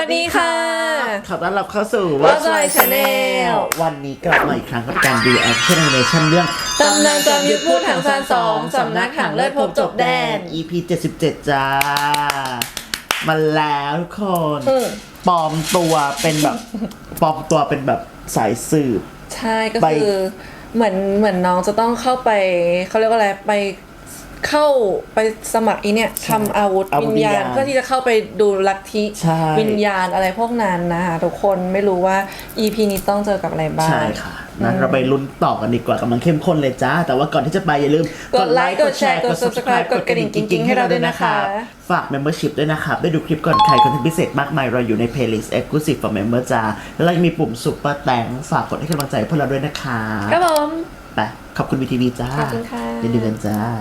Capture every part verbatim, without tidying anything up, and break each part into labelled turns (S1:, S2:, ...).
S1: ดีค่ะ
S2: ขอต้อนรับเข้าสู่
S1: What's My Channel
S2: วันนี้กลับมาอีกครั้งกับการ Reaction Animation เรื่อง
S1: ตำนานจอมยุทธพูดถังซานสองสำนักถังเลิศพบจบแดน
S2: อี พี เจ็ดสิบเจ็ด จ้ามาแล้วทุกคนปลอมตัวเป็นแบบปลอมตัวเป็นแบบสายสืบ
S1: ใช่ก็คือเหมือนเหมือนน้องจะต้องเข้าไปเขาเรียกว่าอะไรไปเข้าไปสมัครอีเนี่ยทำอาวุธวิญญาณเพื่อที่จะเข้าไปดูลัทธิวิญญาณอะไรพวกนั้นนะคะทุกคนไม่รู้ว่า อี พี นี้ต้องเจอกับอะไรบ้าง
S2: ใช่ค่ะนั้นเราไปลุ้นต่อกันดีกว่ากำลังเข้มข้นเลยจ้าแต่ว่าก่อนที่จะไปอย่าลืม
S1: กดไลค์กดแชร์กด ซับสไครบ์ กดกระดิ่งกิ๊งๆให้เราด้วยนะคะ
S2: ฝาก membership ด้วยนะครับได้ดูคลิปก่อนใครคอนเทนต์พิเศษมากมายเราอยู่ใน playlist exclusive for member จ้าแล้วเรายังมีปุ่ม super thanks ฝากกดให้กำลังใจพวกเราด้วยนะคะ
S1: ครับผม
S2: ไปขอบคุณ วี ที วี จ้า
S1: ขอบคุณค่ะ
S2: ยินดีกันจ้า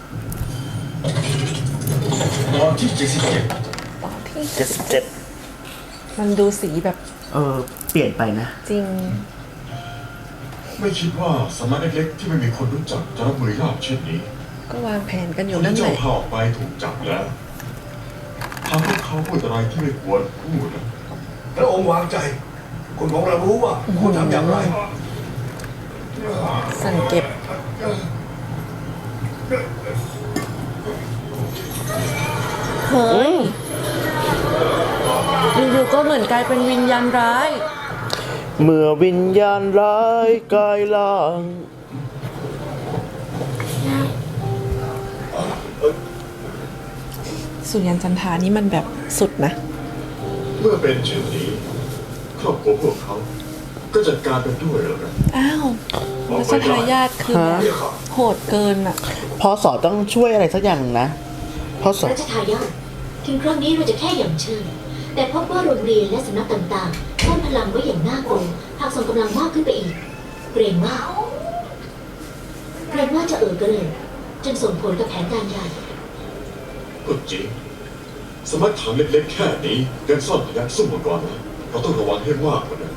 S3: ตอนที่เจ็ดสิบเจ็ด
S1: ตอนที่
S2: เจ็ดสิบเจ็ด
S1: มันดูสีแบบ
S2: เออเปลี่ยนไปนะ
S1: จริง
S3: ไม่คิดว่าสำนักเล็กๆที่ไม่มีคนรู้จักจะรับมือยากเช่นนี้
S1: ก็วางแผนกันอยู่
S3: นั่
S1: นแหละ
S3: เจ้าพาออกไปถูกจับแล้วทำให้เขาพูดอะไรที่ไม่ควรพูด
S4: พระองค์วางใจคุณของเรารู้ว่าควรทำอย่างไร
S1: สั่งเก็บเฮ้ยอยู่ๆก็เหมือนกลายเป็นวิญญาณร้าย
S2: เมื่อวิญญาณร้ายกายล่าง
S1: สุริยันจันทานี่มันแบบสุดนะ
S3: เมื่อเป็นเช่นนี้ครอบครัวพวกเขาก็จัดการกันด้วยแล้วกัน
S1: อ้าวรัชทายาทคือแบบโหดเกินอ่ะ
S2: พอสอต้องช่วยอะไรสักอย่างนะพอสอ
S5: รัชทายาทถึงครั้งนี้เราจะแค่อย่างเชิญแต่พบว่าโรงเรียนและสำนักต่างๆซ่อนพลังไว้อย่างน่ากลัวหากส่งกำลังมากขึ้นไปอีกเกรงว่าเกรงว่าจะเอ่อเกรินจนส่งผลกับแผนการใหญ่
S3: ก็จริงสมัครฐานเล็กๆแค่นี้ยังซ่อนพยัคฆ์สู้มาก่อนนะเราต้องระวังให้มากกว่านั้น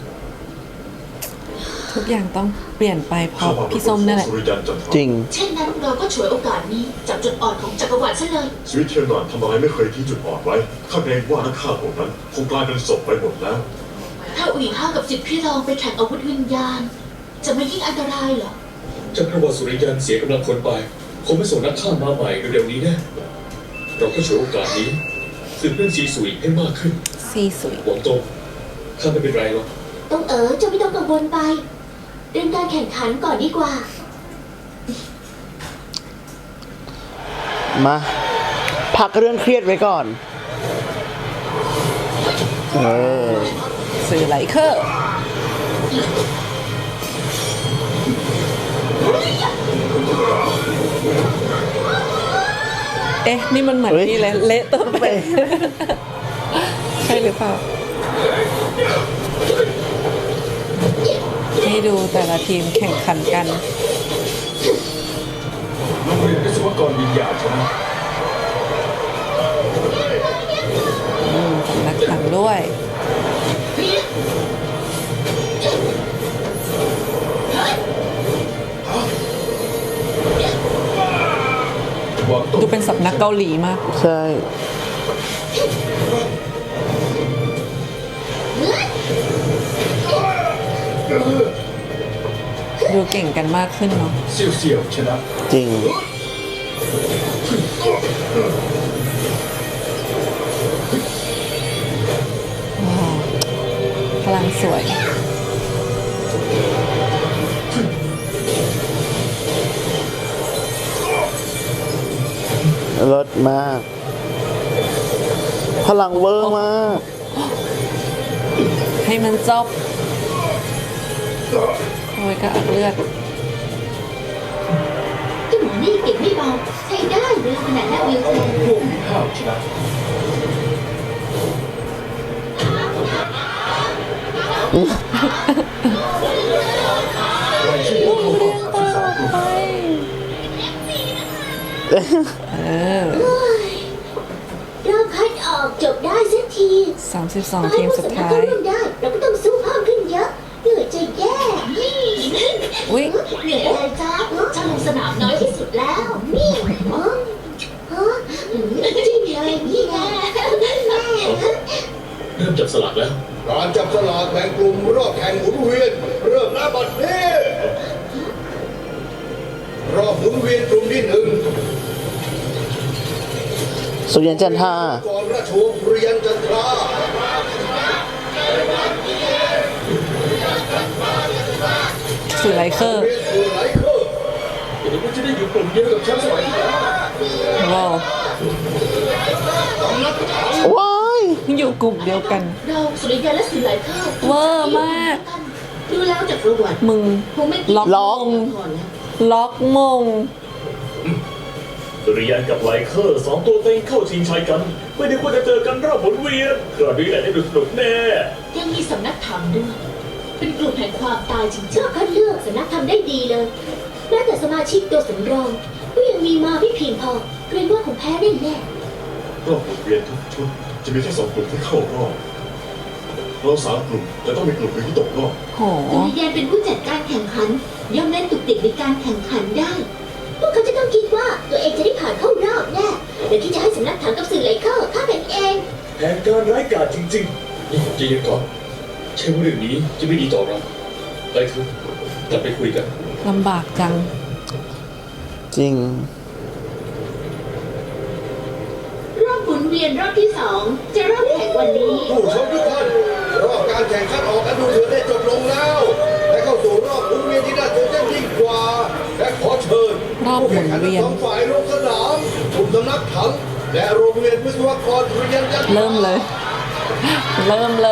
S1: ทุกอย่างต้องเปลี่ยนไปเพราะพี่ส้มนั่นแหละ
S2: จริง
S5: เช่นนั้นเราก็ฉวยโอกาสนี้จับจุดอ่อนของจักรวรรดิซะเลย
S3: ชีวิตเทียนหนานทำอะไรไม่เคยทิ้งจุดอ่อนไว้ข้าเกรงว่านักฆ่าพวกนั้นคงกลายเป็นศพไปหมดแล้ว
S5: ถ้าอุ๋ยห้ากับสิทธิ์พี่รองไปแข่งอาวุธวิญญาณจะไม่ยิ่งอันตรายเหรอ
S6: จักรวรรดิสุริยันเสียกำลังคนไปคงไม่ส่งนักฆ่ามาใหม่เร็วๆนี้แน่เราก็ฉวยโอกาสนี้สืบเรื่องซีสุยให้มากขึ้น
S1: ซีสุย
S6: หวังตงข้าไม่เป็นไรหรอก
S5: ต้องเอ๋อจะไม่ต้องกังวลไปเรื่องการแข่งขันก่อนดีกว่า
S2: มาพักเรื่องเครียดไว้ก่อนเออ
S1: สื่อไหลเคอร์เอ๊ะนี่มันเหมือนนี่เลยเละตัวไปใช่หรือเปล่าให้ดูแต่ละทีมแข่งขันกัน
S6: โรงเรียนวิศวกรวิญญาณใช่ไหม
S1: สำนักถังด้วยดูเป็นสำนักเกาหลีมาก
S2: ใช่
S1: ดูเก่งกันมากขึ้นเนาะ
S6: เสี่ยวๆชนะ
S2: จริง
S1: ว้าวพลังสวย
S2: รสมากพลังเวอร์มาก
S1: ให้มันจบโอ้ยก็อักเลือด
S5: ที่หมอนี่เก็บไม่เบาใช้ได้เลยขนาดนักวิวแชร์
S6: พวกมีข้าวชนะ
S1: ลูกเรียงตาออกไปเออ
S5: รอบคัดออกจบได้สักที
S1: สามสิบสองทีมสุดท้าย
S5: เราก็ต้องสู้เพิ่มขึ้นเยอะเหนื่อยจะแย่
S1: อุ้ย
S5: เหนื่อยอะไรจ้าฉันลงสนามน้อยที่สุดแล้วนี่ฮะฮะจริงเลยนี่ไง
S6: ริ่มจับสลากแล้ว
S4: การจับสลากแบ่งกลุ่มรอบแข่งหมุนเวียน เริ่มณบัดนี้รอบหมุนเวียนกลุ่มที่หนึ่ง
S2: สุริยันจันทรา
S4: ก่อนราชวงศ์สุริยันจันทรา
S1: สื่อไลเคอร์
S4: เรียนสื่อไหลเคอร์
S6: เดี๋ยวมันจะได้อยู่กลุ่มเดียวกับแชมป์สมัยที่แล้ว
S1: ว้าว
S4: สำนักถัง
S2: ว้าย
S1: อยู่กลุ่มเดียวกัน
S5: เราสุริยันและสื่อหลายข้าว
S1: เวอร์มาก
S5: ดูแล้วจากประวัติ
S1: มึง
S5: คงไม่
S1: ล็อก
S2: ล็อก
S5: ก่อนแล้ว
S1: ล็อกมง
S6: สุริยันกับไลเคอร์สองตัวเต็งเข้าชิงชัยกัน ไม่ได้ควรจะเจอกันรอบหมุนเวียนคราวนี้แหละได้ดูสนุกแน่
S5: ยังมีสำนักถังด้วย เป็นกลุ่มแห่งความตายจริงๆเจ้าคัดเลือกสำนักทำได้ดีเลยแม้แต่สมาชิกตัวสำรองก็ยังมีมาไม่เพียงพอเกรงว่าคงแพ้ได้แน่
S3: รอบหมุนเวียนทุกชุดจะมีแค่สองกลุ่มที่เข้ารอบเราสามกลุ่มจะต้องมีกลุ่มหนึ่งที่ตกรอบ
S1: โห
S5: สุริยันเป็นผู้จัดการแข่งขันย่อมเล่นตุกติกในการแข่งขันได้ พวกเขาจะต้องคิดว่าตัวเองจะได้ผ่านเข้ารอบแน่เดี๋ยวที่จะให้สำนักถังกับสื่อไหลเข้าข้าเป็นเอง
S6: แผนการร้ายกาจจริงๆนี่ใจเย็นก่อนใช่ว่าเรื่องนี้จะไม่ดีต่อเราไปเถอะกลับไปคุยกัน
S1: ลำบากจัง
S2: จริง
S5: รอบหมุนเวียนรอบที่สองจะเริ่มแข่งวันนี้
S4: ผู้ชมทุกท่านรอบการแข่งขันออกกันดูเดือดได้จบลงแล้วและเข้าสู่รอบหมุนเวียนที่น่าตื่นเต้นยิ่งกว่า และขอเชิญ
S1: รอบหมุนเวียน
S4: ผู้แข่งขัทั้งสองฝ่ายลงสนามกลุ่มสำนักถังและโรงเรียนวิศวกรสุริยันจันทรา
S1: เริ่มเลย เริ่มเลย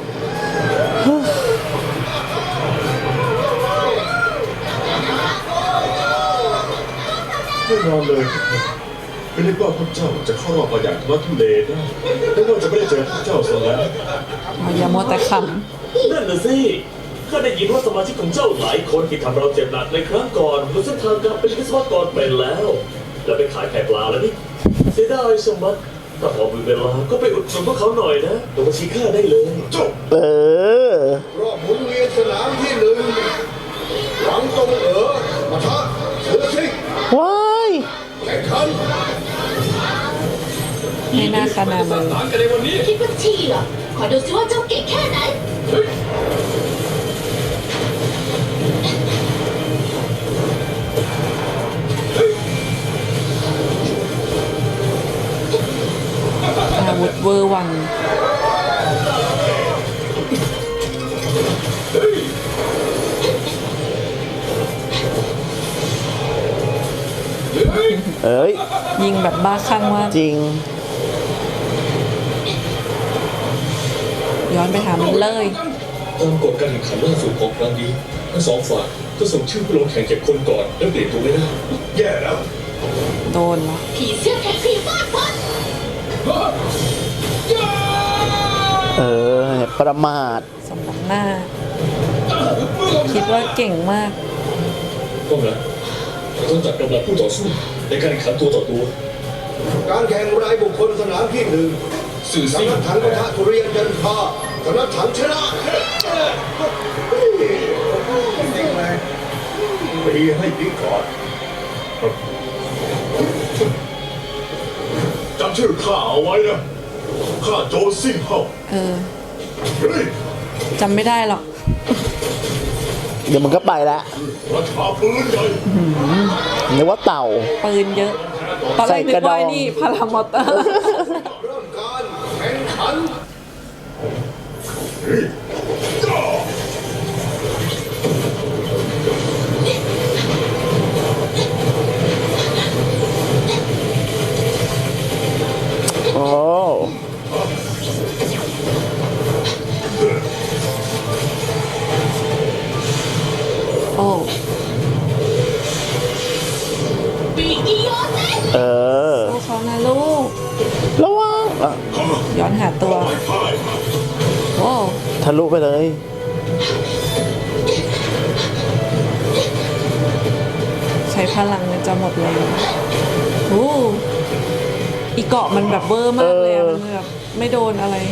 S3: แน่นอนเลยไม่นึกว่าพวกเจ้าจะเข้ารอบมาอย่างทุลักทุเลได้ไม่ว่าจะไม่ได้เจอพวกเจ้าซะแล้ว
S1: เอาอย่ามัวแต่ข
S6: นั่นน่ะสิข้าได้ยินว่าสมาชิกของเจ้าหลายคนที่ทำเราเจ็บหนักในครั้งก่อนบนเส้นทางการเป็นวิศวกรเป็นแล้ว แล้วไปขายไข่ปลาแล้วนี่เสียดายสมบัติถ้าพอมีเวลาก็ไปอุดหนุนพวกเขาหน่อยนะตัวบัญชีข้าได้เลย
S3: เจ้า
S2: เออ
S4: รอบหมุนเวียนสนามที่หนึ่งหวังตรงเอ๋อปะทะเสือซิง
S2: ว้าย
S4: แข่งขัน
S1: ำไม่น่าขนาดมือ
S5: คิดว่าที่เหรอ ขอดูซิว่าเจ้าเก่งแค่ไหน
S1: อาวุธเวอร์วัง
S2: เอ้ย
S1: ยิงแบบบ้าคลั่งมาก
S2: จริง
S1: ย้อนไปหามันเลย
S6: ตามกฎการแข่งขันล่าสุดของครั้งนี้ทั้งสองฝ่ายจะส่งชื่อผู้ลงแข่งเจ็ดคนก่อนแล้วเปลี่ยนตัวไม่ได้
S4: แย่แล้ว
S1: โดนเหรอ
S5: ผีเสื้อแท็กซี่ฟาดฟัน
S2: เออ ประมาท
S1: สมน้ำหน้า คิดว่าเก่งมาก
S6: ก็งั้นเราต้องจัดกำลังผู้ต่อสู้ในการแข่งขันตัวต่อตัว
S4: การแข่งรายบุคคลสนามที่หนึ่ง
S6: สื่อซิ่ง
S4: สำนักถังปะทะสุริยันจันทราสำนักถังชนะปีให้ปีก่อน
S3: จำชื่อข้าเอาไว้นะข้าโจรซิ่งเฮา
S1: เออ
S3: เฮ้ย
S1: จำไม่ได้หรอก
S2: เดี๋ยวมันก็ไปแล้ว
S3: ราชาปืนใหญ่
S2: นึกว่าเต่า
S1: ปืนเยอะ ตอนแรกนึกว่าไอ้นี่พารามอเตอร์
S4: เริ่มการแข่งขัน
S3: เฮ้ยจ้า
S2: โอ้
S1: โอ้
S5: ปีกิโยเซน
S2: เออ
S1: ลูกเขานะลูก
S2: ระวังอ่ะ
S1: ย้อนหาตัว โอ้
S2: ทะลุไปเลย
S1: ใช้พลังมันจะหมดเลยโอ้อีเกาะมันแบบเวอร์มากเลยอะ
S2: เออ
S1: มันแบบไม่โดนอะไร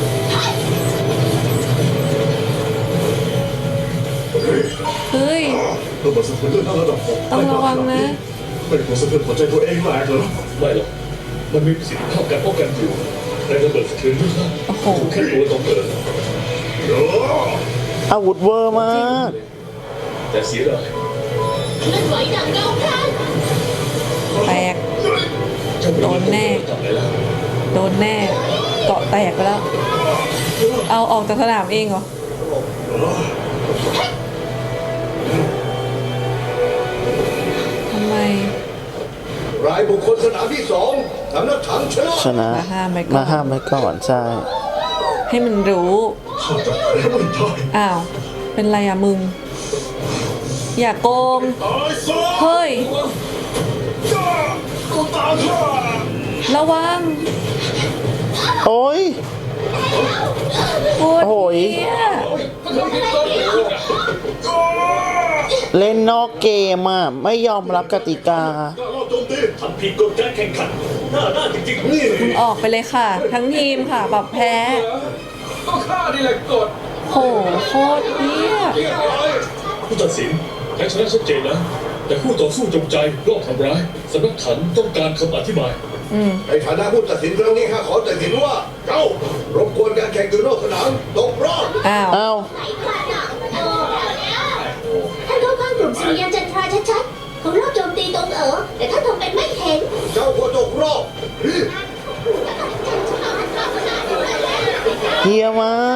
S1: เฮ้ย
S3: เพื่อมาสะเทือนเรื่องระดับหก
S1: ต้องระวังนะ
S3: ไม่ควรสะเทือนหัวใจตัวเองแหลกเหรอ
S6: ไม่หรอกมันมีประสิทธิภาพการป้องกันอยู่ในระเบิดสะเทือนเลือด
S1: โอ้โห
S6: แค่ตัวต้องเปิด
S2: อาวุธเวอร์มาก
S6: แต่เสียดาย
S5: เคลื่อนไหวดังเงาพราน
S1: แตก
S6: เจ้า
S1: โดนแน่
S6: กลับไปแล้ว
S1: โดนแน่ เกาะแตกไปแล้ว เอาออกจากสนามเองเหรอ ทำไม
S4: รายบุคคลสนามที่สองสำนักถังชนะ
S2: ชนะ
S1: มาห้ามไว้ก่อน
S2: มาห้ามไว้ก่อนใช่
S1: ให้มันรู้
S3: ข้าจะแพ้ไม่ได้
S1: อ้าว เป็นไรอะมึง อย่าโกง
S3: ตายซะ
S1: เฮ้ย
S3: กูตามข้า
S1: ระวัง
S2: โอ้ย
S1: โอ้
S2: โอ้ย
S1: เหี้ย
S2: เล่นนอกเกมอ่ะ ไม่ยอมรับกติกา
S3: กล้ารอบโจมตี
S6: ทำผิดกฎการแข่งขันหน้าด้านจริงๆนี่
S1: มึงออกไปเลยค่ะ ทั้งทีมค่ะปรับแพ้
S4: ก็ข้านี่แหละกด
S1: โหโคตรเหี้ย
S6: ผู้ตัดสินแพ้ชนะชัดเจนนะ แต่คู่ต่อสู้จงใจรอบทำร้ายสำนักถันต้องการคำอธิบาย
S1: อืม
S4: ในฐานะผู้ตัดสินครั้งนี้ข้าขอตัดสินว่าเจ้ารบกวนการแข่งอยู่นอกสนามตกรอบ
S1: อ้าว
S2: อ้าว
S5: ท่านเข้าข้างกลุ่มสุริยันจันทราชัดๆของรอบโจมตีตรงเอ๋อแต่ท่านทำเป็นไม่เห็น
S4: เจ้าก็ตกรอบ
S2: เฮียมาก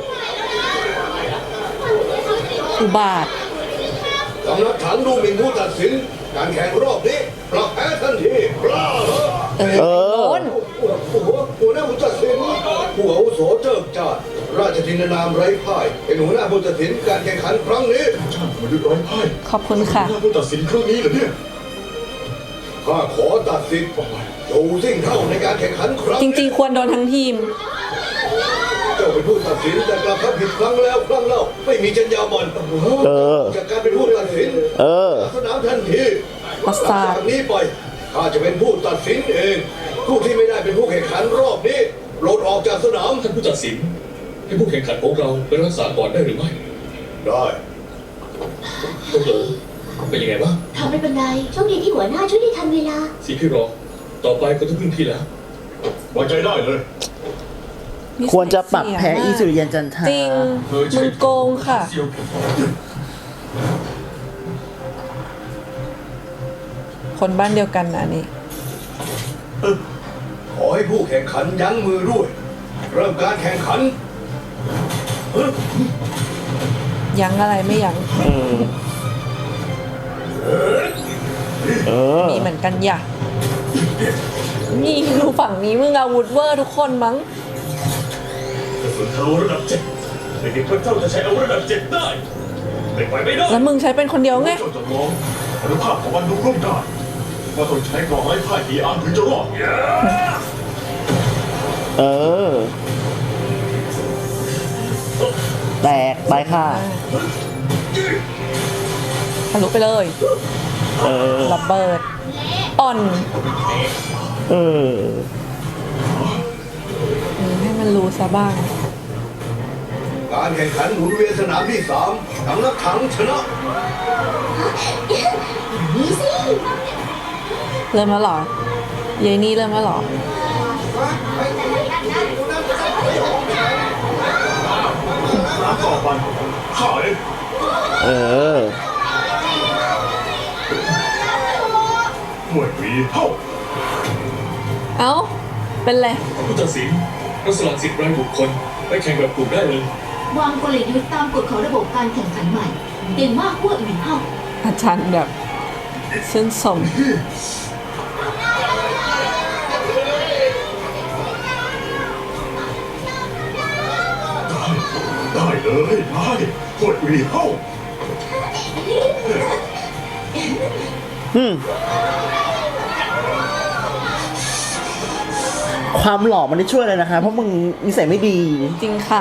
S1: อุบาท
S4: สำนักถังดูหมิ่นผู้ตัดสิน การแข่งรอบนี้ปรับแพ้ทันทีกล้าเหรอ
S1: เออ
S2: เออ
S1: โดน
S4: หัวหัวหน้าผู้ตัดสินผู้อาวุโสเจิมจาดราชธินนามไร้พ่ายเป็นหัวหน้าผู้ตัดสินการแข่งขันครั้งนี้
S3: ช่างมาด้วยร้อยไพ่
S1: ขอบคุณค่ะ
S3: หน้าผู้ตัดสินครั้งนี้เหรอเนี่ย
S4: ข้าขอตัดสินดูสิ่งเท่าในการแข่งขันครั้ง
S1: จ
S4: นี้
S1: ริงๆ ควรโดนทั้งทีม
S4: เจ้าเป็นผู้ตัดสินแต่กลับทำผิดครั้งแล้วครั้งเล่าไม่มีจรรยาบรรณ
S2: เออ
S4: จากการเป็นผู้ตัดสิน
S2: เออ
S4: สนามทันที
S1: ประสาท
S4: จากนี้ไปข้าจะเป็นผู้ตัดสินเองผู้ที่ไม่ได้เป็นผู้แข่งขันรอบนี้โปรดออกจากสนาม
S6: ท่านผู้ตัดสิน ให้ผู้แข่งขันของเราไปรักษาก่อนได้หรือไม่
S4: ได้
S6: ต้องเอ๋อเป็นยังไงบ้าง
S5: ทำไม่เป็นไรโชคดีที่หัวหน้าช่วยได้ทันเวลา
S6: สิพี่รองต่อไปก็ต้องพึ่งพี่แล้ว
S3: ไว้ใจได้เลย
S2: ควรจะปรับแพ้อีสุริยันจันทรา
S1: จริง มึงโกงค่ะ คนบ้านเดียวกันนะนี่
S4: ขอให้ผู้แข่งขันยั้งมือด้วย เริ่มการแข่งขัน
S1: ยั้งอะไรไม่ยั้ง
S2: เออ เออ
S1: มีเหมือนกันอย่านี่ดูฝั่งนี้มึงอาวุธเวอร์ทุกคนมั้ง
S6: กระสุนทะลุระดับเจ็ดเด็กๆพระเจ้าจะใช้อาวุธระดับเจ็ดได้ไม่ไปไม่ได้
S1: แล้วมึงใช้เป็นคนเดียวไง
S3: เจ้าจะมองอนุภาพของมันดูร่วมได้ว่าต้องใช้กรองไร้พ่ายกี่อันถึงจะรอด
S2: เออ แตกไปค่ะ
S1: ทะลุไปเลย
S2: เออ
S1: ระเบิด อ่อน
S2: เออ
S1: อืมให้มันรู้ซะบ้าง
S4: การแข่งขันหมุนเวียนสนามที่สามสำนักถังชนะ
S5: นี่สิ
S1: เริ่มแล้วเหรอ เยนี่เริ่มแล้วเหรอ
S3: น้ำต่อไปข้าเอง
S2: เออ
S3: หน่วยวีเท่า
S1: เอ้า เป็นไร
S6: ผู้ตัดสินรัสลัดสิทธิ์รายบุคคลไปแข่งแบบกลุ่มได้เลย
S5: วางกลยุทธ์ตามกฎของระบบการแข่งขันใหม่เด่นมากพวกอื่นเข้า
S1: อาจารย์แบบชื่นชม
S3: ได้เลยได้หน่วยวีเท่า
S2: อืม ความหล่อมันได้ช่วยเลยนะคะ เพราะมึงนิสัยไม่ดี
S1: จริงค่ะ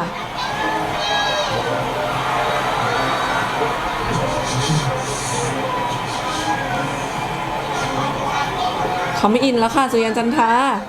S1: เขาไม่อินแล้วค่ะ สุริยันจันทรา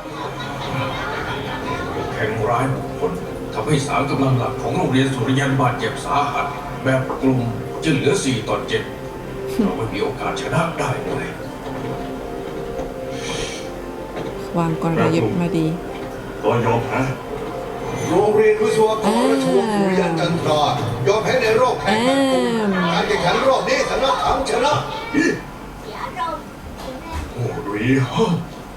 S7: แข่งร้ายบุคคลทำให้สามกำลังหลักของโรงเรียนสุริยันบาดเจ็บสาหัส แบบกลุ่มจึงเหลือสี่ต่อเจ็ดเราไม่มีโอกาสชนะได้เลย
S1: วางกลยุทธ์มาดี
S3: ตก็ยอมแพ้
S4: โรงเรียนวิศวกรราชวงศ์สุริยันจันทรายอมแพ้ในรอบแข่งขันกลุ่มการแข่งขันรอบนี้สำนักถังชนะ
S3: โอ้รีฮะ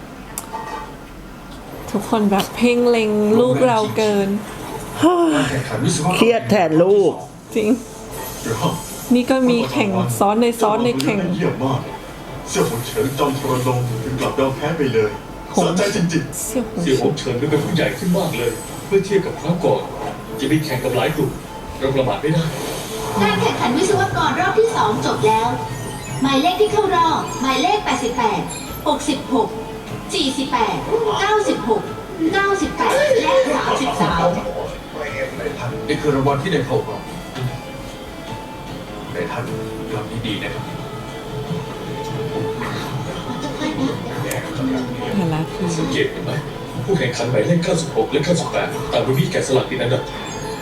S1: ทุกคนแบบเพ่งเล็งลูกเราเกิน
S7: การแข่งขันวิศวกรรม
S2: เครียดแทนลูก
S1: จริง
S3: เดี๋ยวฮะ
S1: นี่ก็มีแข่งซ้อนในซ้อนในแข่ง
S3: เยี่ยมมากเสี่ยวหงเฉินจอมทรนงถึงกลับยอมแพ้ไปเลยสะใจจริง
S1: เสี่ยวหง
S6: เสี่ยวหงเฉินดูเป็นผู้ใหญ่ขึ้นมากเลย เมื่อเทียบกับครั้งก่อน จะมีแข่งกับหลายกลุ่มเราประมาทไม่ได้
S5: การแข่งขันวิศวกรรอบที่สองจบแล้ว หมายเลขที่เข้ารอบ หมายเลข แปดสิบแปด หกสิบหก สี่สิบแปด เก้าสิบหก เก้าสิบแปด และ สามสิบสาม
S7: นี่คือรางวัลที่ได้เข้ารอบในท่านทำดีๆนะครับ
S1: เห็นแล้วคือ
S6: สังเกตเห็นไหม ผู้แข่งขันหมายเลขเก้าสิบหกและเก้าสิบแปดต่างบนมีแกะสลักติดอันดับ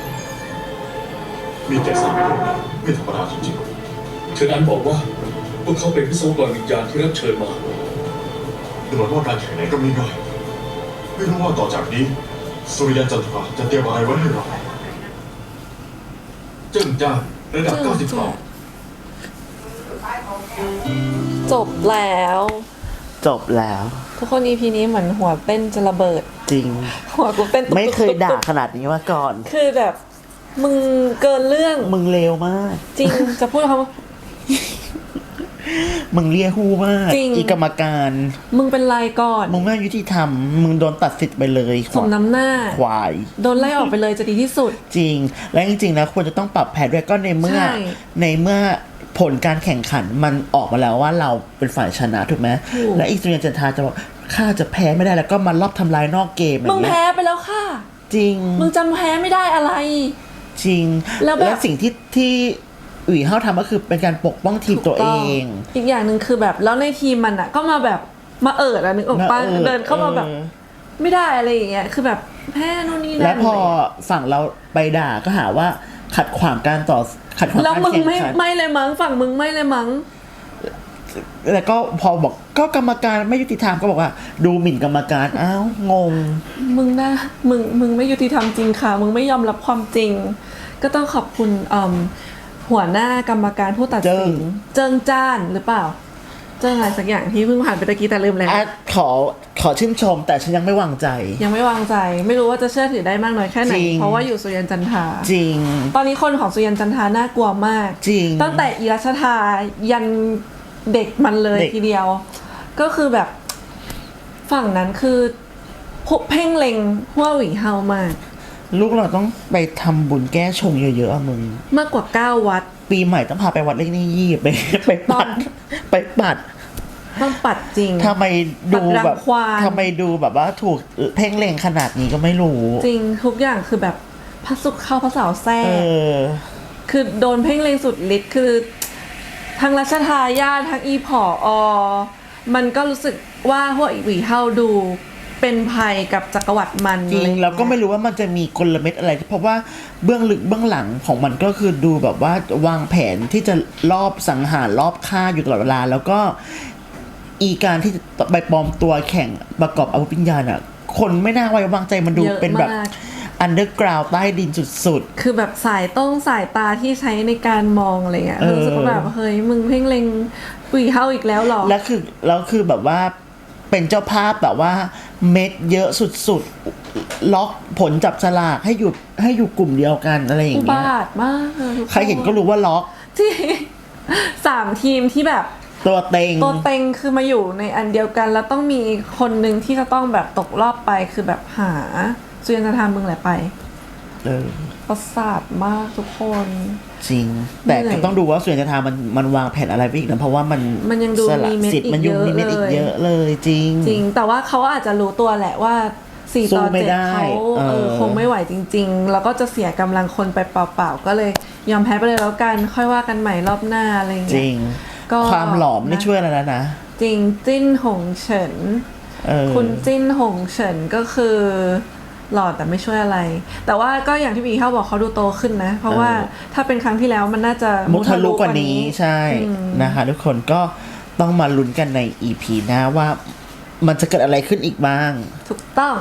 S3: ๆ มีแต่สามคนไม่ธรรมดาจริง
S6: เชิญอันบอกว่า พวกเขาเป็นวิศวกรวิญญาณที่รับเชิญมา
S3: ๆดูเหมือนว่าการแข่งไหนก็ไม่ง่ายไม่รู้ว่าต่อจากนี้สุริยันจันทราจะเตรียมอะไรไว้ให้เรา
S7: เจิ้งจ้านระดับเก้าสิบสอง
S1: จบแล้ว
S2: จบแล้ว
S1: ทุกคน อี พี นี้เหมือนหัวเต้นจะระเบิด
S2: จริง
S1: หัวกูเต้นตุ๊บ
S2: ไม่เคยด่า
S1: ตุ๊บ
S2: ขนาดนี้มาก่อน
S1: คือแบบ มึงเกินเรื่อง
S2: มึงเลวมาก
S1: จริง จะพูดคำว่า
S2: มึงเลียหูมาก
S1: จริง
S2: อีกรรมการ
S1: มึงเป็นไรก่อน
S2: มึงไม่ยุติธรรม มึงโดนตัดสิทธิ์ไปเลย
S1: สมน้ำหน้า
S2: ควาย
S1: โดนไล่ออกไปเลยจะดีที่สุด
S2: จริง และจริงๆแล้วควรจะต้องปรับแผนด้วยก็ในเมื่อ
S1: ใช่
S2: ในเมื่อผลการแข่งขันมันออกมาแล้วว่าเราเป็นฝ่ายชนะถูกไหม
S1: ถูก
S2: และอีกสุริยันจันทราจะบอกข้าจะแพ้ไม่ได้แล้วก็มารอบทำลายนอกเกมอ
S1: มึง
S2: ย่างเงี้
S1: แพ้
S2: ย
S1: ไปแล้วค่ะ
S2: จริง
S1: มึงจำแพ้ไม่ได้อะไร
S2: จริง
S1: แล้วแบบ
S2: สิ่งที่ที่อุ๋ยเฮาทำก็คือเป็นการปกป้องทีมตัวเอง
S1: อีกอย่างหนึ่งคือแบบแล้วในทีมมันอ่ะ ก็มาแบบมาเอิดอะนึกออกปะ
S2: มาเอิด
S1: เดินเข้ามาแบบ
S2: เออ
S1: ไม่ได้อะไรอย่างเงี้ยคือแบบแพ้นู่นนี่นั่น
S2: แล้วพอฝั่งเราไปด่าก็หาว่าขัดขวางการต่อขัดขวาง
S1: แล้ว
S2: การ
S1: มึง
S2: แข่ง
S1: ไม่
S2: ขัน
S1: ไม่เลยมั้งฝั่งมึงไม่เลยมั้ง
S2: แล้วก็พอบอกก็กรรมการไม่ยุติธรรมก็บอกว่า ดูหมิ่นกรรมการอ้าวงง
S1: มึงนะมึงมึงไม่ยุติธรรมจริงค่ะ มึงไม่ยอมรับความจริง ก็ต้องขอบคุณอืมหัวหน้ากรรมการผู้ตัด
S2: เจิ้
S1: สิ
S2: ง
S1: นเจิงจ้านหรือเปล่า เจิงอะไรสักอย่างที่เพิ่งผ่านไปตะกี้แต่ลืมแล้ว
S2: อ่ะขอขอชื่นชม แต่ฉันยังไม่วางใจ
S1: ยังไม่วางใจ ไม่รู้ว่าจะเชื่อถือได้มากน้อยแค่ไหน
S2: จริง
S1: เพราะว่าอยู่สุริยันจันทรา
S2: จริง
S1: ตอนนี้คนของสุริยันจันทราน่ากลัวมาก
S2: จริง
S1: ตั้งแต่อีรัชทายันเด็กมันเลย
S2: เด็ก
S1: ทีเดียว ก็คือแบบฝั่งนั้นคือพวกเพ่งเล็งหัวหวีเฮามาก
S2: ลูกเราต้องไปทำบุญแก้ชงเยอะๆอะมึง
S1: มากกว่าเก้าวัด
S2: ปีใหม่ต้องพาไปวัดเลขนี่ยี่ไปไปปัด ไปปัด
S1: ต้องปัดจริง
S2: ทำไมดูแบบ
S1: ปัดรังควาน
S2: ทำไมดูแบบว่าถูกเพ่งเล็งขนาดนี้ก็ไม่รู้
S1: จริงทุกอย่างคือแบบพระสุขเข้าพระเสาแทร
S2: เอก อ
S1: คือโดนเพ่งเล็งสุดฤทธิ์คือทั้งรัชทายาททั้งอีผออมันก็รู้สึกว่าพวกอีหวีเฮาดูเป็นภัยกับจักรวรรดิมัน
S2: จริง
S1: อะไร
S2: เราก็ไม่รู้ว่ามันจะมีกลเม็ดอะไร เพราะว่าเบื้องลึกเบื้องหลังของมันก็คือดูแบบว่าวางแผนที่จะรอบสังหารรอบฆ่าอยู่ตลอดเวลา แล้วก็อีการที่จะไปปลอมตัวแข่งประกอบอาวุธวิญญาณอ่ะ คนไม่น่าไว้วางใจมันดู
S1: เยอะ
S2: เป็นแบบ
S1: มาก
S2: อันเดอร์กราวด์ใต้ดินสุด
S1: คือแบบสายต้องสายตาที่ใช้ในการมองอะไรเงี้ย
S2: เออ
S1: รู้สึกว่าแบบเฮ้ยมึงเพ่งเล็งหวีเฮาอีกแล้วเหรอ
S2: ๆ แล้วคือแล้วคือแบบว่าเป็นเจ้าภาพแบบว่าเม็ดเยอะสุดๆ ล็อกผลจับฉลากให้อยู่ให้อยู่กลุ่มเดียวกันอะไรอย่าง
S1: อุ
S2: เงี้ย
S1: บาทมากอะทุก
S2: ใครเห็นก็รู้ว่าล็อก
S1: ที่ สามทีมที่แบบ
S2: ตัวเต็ง
S1: ตัวเต็งคือมาอยู่ในอันเดียวกัน แล้วต้องมีคนหนึ่งที่จะต้องแบบตกรอบไปคือแบบหาสุริยันจันทรามึงแหละไป
S2: เออ
S1: ประสาทมากทุกคน
S2: จริง แต่
S1: เหนื่
S2: ก็
S1: อย
S2: ต้องดูว่าส่วนจะทามันมันวางแผนอะไรไปอีกนะเพราะว่ามัน
S1: มันยังดู
S2: สละ
S1: มีเม็ด
S2: สิทธิ์
S1: อีก
S2: มันยุ่ง
S1: เยอะ
S2: มีเม็ดอี
S1: เล
S2: ก
S1: ย
S2: เยอะเลยจริง
S1: จริง แต่ว่าเขาอาจจะรู้ตัวแหละว่าสี่
S2: สู้
S1: ตอน
S2: ไม่
S1: เจ็ด
S2: ได้
S1: เขาเอ
S2: เอ
S1: อ
S2: อ
S1: คงไม่ไหวจริง ๆ แล้วก็จะเสียกำลังคนไปเปล่าๆก็เลยยอมแพ้ไปเลยแล้วกันค่อยว่ากันใหม่รอบหน้าอะไรอย่าง
S2: จ
S1: เงี้
S2: ริ
S1: ย
S2: ง
S1: ก็
S2: ความหลอมไม่
S1: นะ
S2: ช่วยอะไรแล้วนะ
S1: จริงจิ้นหงเฉิน
S2: เออ
S1: คุณจิ้นหงเฉินก็คือหล่อแต่ไม่ช่วยอะไร แต่ว่าก็อย่างที่พี่เขาบอกเขาดูโตขึ้นนะ เพราะว่าถ้าเป็นครั้งที่แล้วมันน่าจะ
S2: มุทะลุกว่านี้ใช่
S1: อืม
S2: นะคะทุกคนก็ต้องมาลุ้นกันใน อี พี หน้าว่ามันจะเกิดอะไรขึ้นอีกบ้าง
S1: ถูกต้อง
S2: พ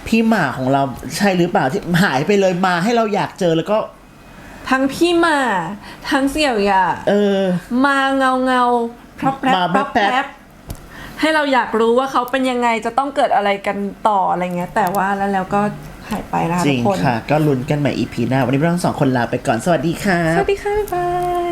S2: พี่หมาของเราใช่หรือเปล่าที่หายไปเลยมาให้เราอยากเจอแล้วก็
S1: ทั้งพี่หมาทั้งเสี่ยวหย่า
S2: เออ
S1: มาเงาเงาพรับแพรบ
S2: มา
S1: พรับ
S2: แป๊บ
S1: แพรบให้เราอยากรู้ว่าเขาเป็นยังไงจะต้องเกิดอะไรกันต่ออะไรเงี้ยแต่ว่าแล้วแล้วก็หายไปนะคะ
S2: จ
S1: ทุ
S2: ริ
S1: ก
S2: ง
S1: คน
S2: ค่ะ ก็ลุ้นกันใหม่ อี พี หน้าวันนี้เราทั้งสองคนลาไปก่อนสวัสดีค่ะ
S1: สวัสดีค่ะบ๊ายบาย